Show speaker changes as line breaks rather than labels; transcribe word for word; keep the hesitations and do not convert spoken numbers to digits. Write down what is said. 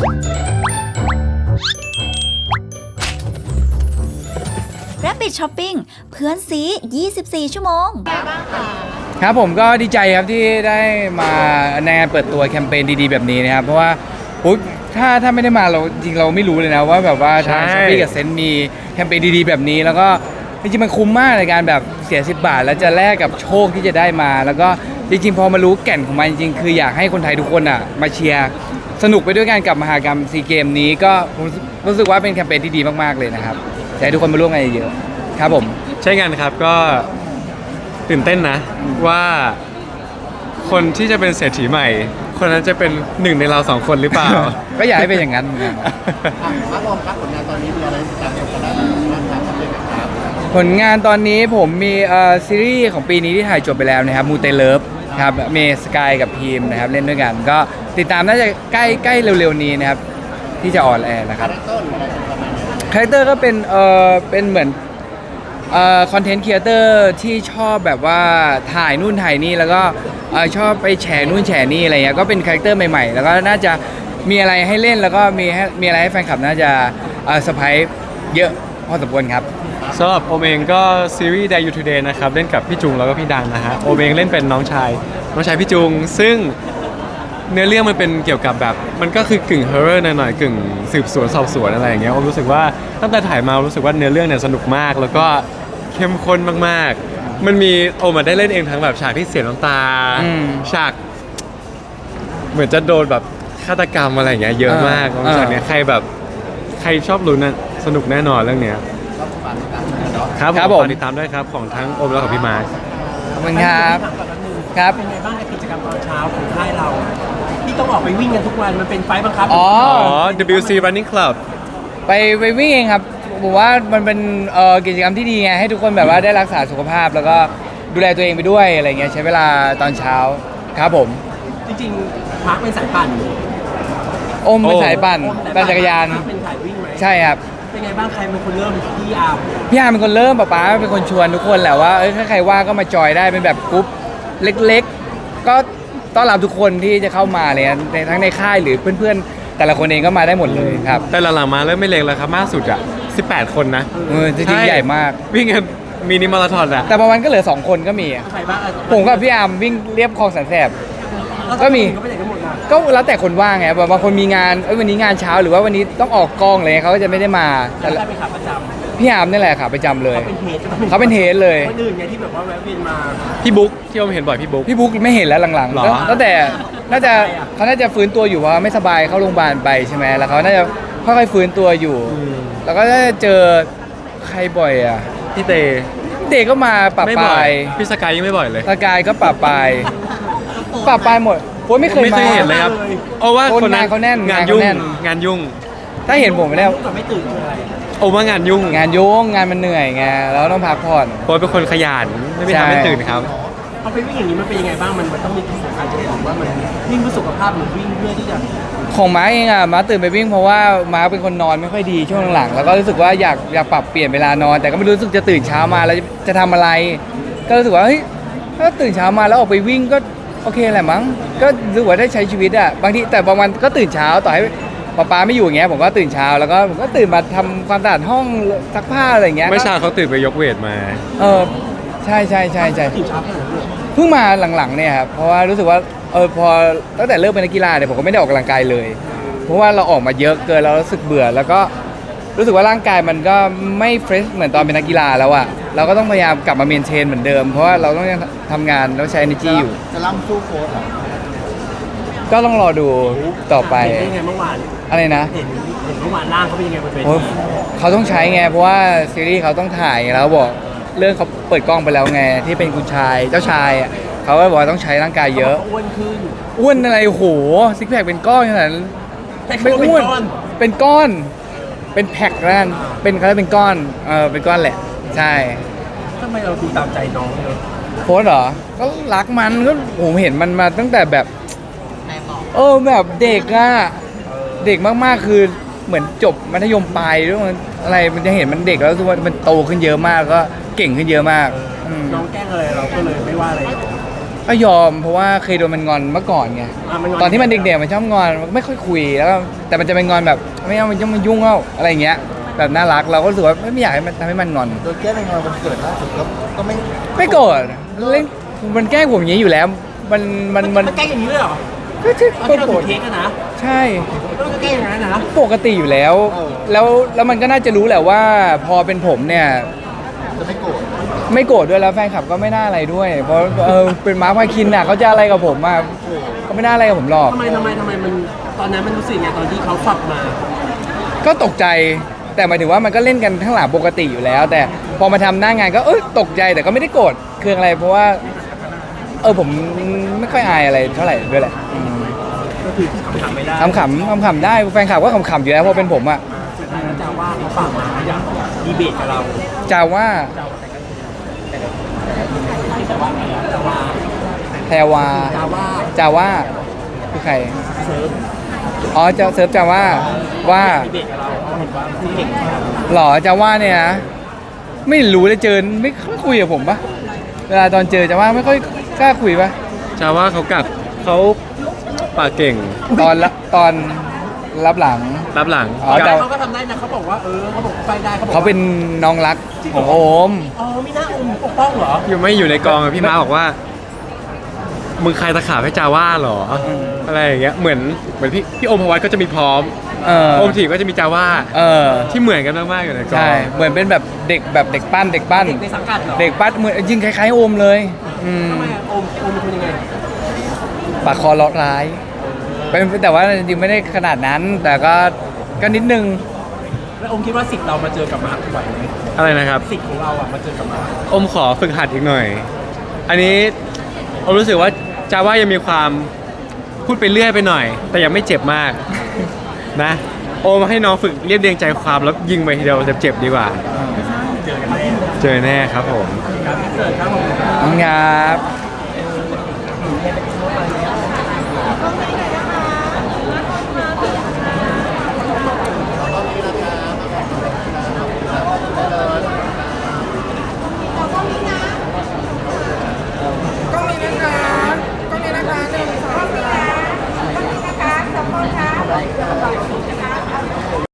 Rabbit Shopping เพื่อนซียี่สิบสี่ชั่วโมง
ครับผมก็ดีใจครับที่ได้มาในงานเปิดตัวแคมเปญดีๆแบบนี้นะครับเพราะว่าอุ๊ยถ้าถ้าไม่ได้มาเราจริงเราไม่รู้เลยนะว่าแบบว่าทางช้อปปี้กับเซนต์มีแคมเปญดีๆแบบนี้แล้วก็จริงๆมันคุ้มมากในการแบบเสียสิบบาทแล้วจะแลกกับโชคที่จะได้มาแล้วก็จริงๆพอมารู้แก่นของมันจริงๆคืออยากให้คนไทยทุกคนอ่ะมาเชียร์สนุกไปด้วยกันกับมหกรรมซีเกมนี้ก็รู้สึกว่าเป็นแคมเปญที่ดีมากๆเลยนะครับอยากให้ทุกคนมาร่วมกันเยอะๆครับผม
ใช่กันครับก็ตื่นเต้นนะว่าคนที่จะเป็นเศรษฐีใหม่คนนั้นจะเป็นหนึ่งในเราสองคนหรือเปล่า
ก็อยากให้เป็นอย่างนั้นเหมือนกัน
มาลองครับผลงานตอนนี้มีอะไรติดตามกันได้บ้างครับเป็นครับ
ผลงานตอนนี้ผมมีเอ่อซีรีส์ของปีนี้ที่ถ่ายจบไปแล้วนะครับมูเตเลิฟครับเมสกายกับพีมนะครับเล่นด้วยกันก็ติดตามน่าจะใกล้ใกล้เร็วๆนี้นะครับที่จะออนแอร์นะครับคาแรคเตอร์ก็เป็นเอ่อเป็นเหมือนเอ่อคอนเทนต์ครีเอเตอร์ที่ชอบแบบว่าถ่ายนู่นถ่ายนี่แล้วก็เอ่อชอบไปแฉนู่นแฉนี่อะไรเงี้ยก็เป็นคาแรคเตอร์ใหม่ๆแล้วก็น่าจะมีอะไรให้เล่นแล้วก็มีให้มีอะไรให้แฟนคลับน่าจะเอ่อเซอร์ไพรส์เยอะพอสมควรครับ
สำหรับโอมเองก็ซีรีส์ Dare You Today นะครับเล่นกับพี่จุงแล้วก็พี่ดังนะฮะโอมเองเล่นเป็นน้องชายน้องชายพี่จุงซึ่งเนื้อเรื่องมันเป็นเกี่ยวกับแบบมันก็คือกึ่งฮอร์เรอร์หน่อยๆกึ่งสืบสวนสอบสวนอะไรอย่างเงี้ยโอมรู้สึกว่าตั้งแต่ถ่ายมารู้สึกว่าเนื้อเรื่องเนี่ยสนุกมากแล้วก็เข้มข้นมากๆมันมีโอมได้เล่นเองทั้งแบบฉากที่เสียน้ำตาฉากเหมือนจะโดนแบบฆาตกรรมอะไรอย่างเงี้ยเยอะมากฉากเนี้ยใครแบบใครชอบลุ้นน่ะสนุกแน่นอนเรื่องเนี้ยครับผมติดตามด้วยครับของทั้งโอมแล้วกับพี่มาร์ค
ขอบคุณครับครับ
เป็นไงบ้างในกิจกรรมตอนเช้าของค่ายเราที่ต้องออกไปวิ่งกันทุกวันมันเป็นไฟบังคับ
อ๋อ
ดับเบิลยู ซี Running Club
ไปไปวิ่งเองครับผมว่ามันเป็นเอ่อกิจกรรมที่ดีไงให้ทุกคนแบบว่าได้รักษาสุขภาพแล้วก็ดูแลตัวเองไปด้วยอะไรเงี้ยใช้เวลาตอนเช้าครับผม
จริงๆมาร์คเป็นสายปั่น
อมเป็นสายปั่นปั่นจักรยาน
เป็นสายวิ่งไหม
ใช่ครับ
เป็นไงบ้างใครเป็นคนเริ่มพี่อาร์ม
พี่อาร์มเป็นคนเริ่มป๊าป๊าเป็นคนชวนทุกคนแหละว่าเอ้ยถ้าใครว่างก็มาจอยได้เป็นแบบกรุ๊ปเล็กๆก็ต้อนรับทุกคนที่จะเข้ามาเลยทั้งในค่ายหรือเพื่อนๆแต่ละคนเองก็มาได้หมดเลยครับ
แต่หลังๆมาเริ่มไม่เล็กแล้วครับมากสุดอ่ะสิบแปดคนนะ
เออจริงๆใหญ่มาก
วิ่งกันมินิมาราธอนอะ
แต่บางวันก็เหลือสองคนก็มีผมกับพี่อาร์มวิ่งเรียบคลองแสนแสบก็มีก็แล้วแต่คนว่างไงบางคนมีงานเอ้ยวันนี้งานเช้าหรือว่าวันนี้ต้องออกกองเลยเขาก็จะไม่ได้มา
แต่เป็นขาประจำ
พี่อาร์มนี่แหละขาประจำเลยเขาเป็นเฮดเลย
คนอื่นไงที่แบบว่าแวะเวียนมา
พี่บุ๊กที่ผมเห็นบ่อยพี่บุ๊ก
พี่บุ๊กไม่เห็นแล้วหลังๆตั้งแต่น่าจะเขาน่าจะฟื้นตัวอยู่เพราะไม่สบายเข้าโรงพยาบาลไปใช่ไหมแล้วเขาน่าจะค่อยๆฟื้นตัวอยู่แล้วก็ได้เจอใครบ่อยอ่ะ
พี่เต
เตก็มาปะปาย
พี่สกายยังไม่บ่อยเลย
สกายก็ปะปายปะปายหมดโค้ชไม่เคยมา
ไม่เคยเห็นเลยครับโอ้ว่า
คนนั้นเขาแน่น
งานยุ่งงานยุ่ง
ถ้าเห็นผมแล้ว
ไม่ตื่นอะไร
โอ้ว่างานยุ่ง
งานยุ่งงานมันเหนื่อยไงแล้วต้องพักผ่อน
โค้ชเป็นคนขยันไม่ทำให้ตื่นครับ
พอไปวิ่งอย่างนี้มันเป็นยังไงบ้างมันมันต้องมีที่สำคัญจะบอกว่ามันวิ่งเพื่อสุขภาพหรือวิ่งเพื่อที่จะ
ของม้าเองอ่ะม้าตื่นไปวิ่งเพราะว่าม้าเป็นคนนอนไม่ค่อยดีช่วงหลังๆแล้วก็รู้สึกว่าอยากอยากปรับเปลี่ยนเวลานอนแต่ก็ไม่รู้สึกจะตื่นเช้ามาแล้วจะทำอะไรก็รู้สึกว่าเฮ้ยถ้าตื่นเช้ามาแล้วออกไปวิ่งก็โอเคแหละมั้งก็รู้สึกว่าได้ใช้ชีวิตอ่ะบางทีแต่บางวันก็ตื่นเช้าต่อให้ป๊าป๊าไม่อยู่อย่างเงี้ยผมก็ตื่นเช้าแล้วก็ผมก็ตื่นมาทำความสะอาดห้องซักผ้าอะไรอย่างเงี้ย
ไม่เช้าเขาตื่นไปยกเวทมา
เออใช่ใช่ใช่ใช่
ตื่นเช้า
เพิ่งมาหลังๆเนี่ยครับเพราะว่ารู้สึกว่าเออพอตั้งแต่เริ่มเป็นนักกีฬาเนี่ยผมก็ไม่ได้ออกกำลังกายเลยเพราะว่าเราออกมาเยอะเกินเรารู้สึกเบื่อแล้วก็รู้สึกว่าร่างกายมันก็ไม่เฟรชเหมือนตอนเป็นนักกีฬาแล้วอะเราก็ต้องพยายามกลับมาเมนเทนเหมือนเดิมเพราะว่าเราต้องยังทำงานแล้วใช้ energy อยู่
จะล่ำสู้โค้ช
ก็ต้องรอดูต่อไป
เห็นไงเมื่อวาน
อะไรนะ
เห็นเห็นเมื่อวานร่างเขาเป็นยังไงบนเวที
เขาต้องใช้ไงเพราะว่าซีรีส์เขาต้องถ่ายแล้วบอกเรื่องเขาเปิดกล้องไปแล้วไงที่เป็นคุณชายเจ้าชายเขาก็บอกต้องใช้ร่างกายเยอะ
อ้วนขึ้น
อ้วนอะไรโหซิกแพคเป็นก้อนขนาดนั้นไม่อ้วนเป็นก้อนเป็นแพ็คนั่นเป็นเขาเรียกเป็นก้อนเออเป็นก้อนแหละใช่
ทำไมเราดูตามใจน้องเลย
โค้ชเหรอก็รักมันก็ผมเห็นมันมาตั้งแต่แบบเออแบบเด็กอะเด็กมากๆคือเหมือนจบมัธยมปลายด้วยอะไรมันจะเห็นมันเด็กแล้วทุกวันมันโตขึ้นเยอะมากก็เก่งขึ้นเยอะมาก
น้องแกล้งอะไรเราก็เลยไม่ว่าอะไร
ก็ยอมเพราะว่าเคยโดนมันงอนเมื่อก่อนไง
ะง
ตอนที่มันเด็กๆมันชอบงอนมันไม่ค่อยคุยแล้วก็แต่มันจะเป็นงอนแบบไม่เอามันยุ่งมันยุ่งเอาอะไรอย่างเงี้ยแบบน่ารักเราก็รู้สึกว่าไม่ไม่อยากให้มันทำให้มันงอน
โดยแก้ในงานวันเกิดล่าสุดก็ก็ไม่
ไม่โกรธเล่นมันแกล้งผมอย่างนี้อยู่แล้ว มันมันมัน
มันใกล้อย่างนี้เลยเหรอ
ก็ใช่
ตอนที่เรา
โกร
ถื
ธ
อเค้กอะนะ
ใช่
แล้วมันก็ใกล้อย่างนั้นนะ
ปกติอยู่แล้ว แล้วแล้วมันก็น่าจะรู้แหละว่า พอเป็นผมเนี่ย
จะไม่โกรธ
ไม่โกรธด้วยแล้วแฟนคลับก็ไม่น่าอะไรด้วย เพราะเออเป็นมาร์คพาคินน่ะเขาจะอะไรกับผมอ่ะก็ไม่น่าอะไรกับผมหรอก
ทำไมทำไมทำไมมันตอนนั้นมันรู้สึกไงตอนที่เขาฝักมา
ก็ตกใจแต่หมายถึงว่ามันก็เล่นกันข้างหลังปกติอยู่แล้ว แต่พอมาทำหน้างานก็เอ้ยตกใจแต่ก็ไม่ได้โกรธเคืองอะไรเพราะว่า เออผมไม่ค่อยอายอะไรเท่าไหร่ด้วยแหละอืม
ก็คือทำไม่ได้
ขำขำขำๆได้แฟนคลับก็ขำๆอยู่แล้วเพราะเป็นผมอ่ะ
สุดท้ายแล้วจะว่าเขาฝากมาอยากดีเบตกับเรา
จาว่า
แต่ว่าจะว่า
แพรวา
จะว่า
จาว่าคือใคร
เซิร์ฟ
อ๋อจะเซิร์ฟจาว่าว่า
ดีเบตกับเราเขาเห็นว่าคุณเก่งมาก
หรอจาว่าเนี่ยนะไม่รู้เลยเจอไม่ค่อยคุยกับผมปะเวลาตอนเจอจาว่าไม่ค่อยกล้าคุยปะ
จาว่าเขากัดเขาปากเก่ง
ตอนละตอนรับหลัง
รับหลัง
อ๋อ
กั
แต่
ด
เขาก็ทำได้นะเขาบอกว่าเออเขาบอกไฟได้เขาบอก
เขาเป็นน้องรักของโอม
อ๋อมีหน้าอมปกป้องเหรอ
อยู่ไม่อยู่ในกองอะพี่ม้าบอกว่ามึงใครตะขาบให้จาว่าเหรออะไรอย่างเงี้ยเหมือนเหมือนพี่พี่โอมพวัตก็จะมีพร้อม
เออ
โอมถีบก็จะมีจาว่า
เออ
ที่เหมือนกันมากๆอยู่ในกอง
ใช่เหมือนเป็นแบบเด็กแบบเด็กปั้นเด็กปั้น
เด็กในสังกัดเหรอ
เด็กปั้นเหมือนจริงคล้ายๆโอมเลยอืม
ทำไมอะอมอมเป็นคนยังไง
ปากคอเลาะร้ายเป็นแต่ว่าจริงๆไม่ได้ขนาดนั้น แต่ก็ก็นิดนึง
แล้วอมคิดว่าสิทธิ์เรามาเจอกับมาร์คไหวไหม
อะไรนะครับ
สิทธิ์ของเราอ่ะมาเจอกับมาร์ค
อมขอฝึกหัดอีกหน่อย อันนี้อมรู้สึกว่าจาว่ายังมีความพูดไปเรื่อยไปหน่อย แต่ยังไม่เจ็บมากนะโอมให้น้องฝึกเรียบเรียงใจความแล้วยิงไปทีเดียวเจ็บๆดีกว่า
เจอกันแน่
เจอแน่ครับผม
ครับเสิร์ฟครับผม
ครับ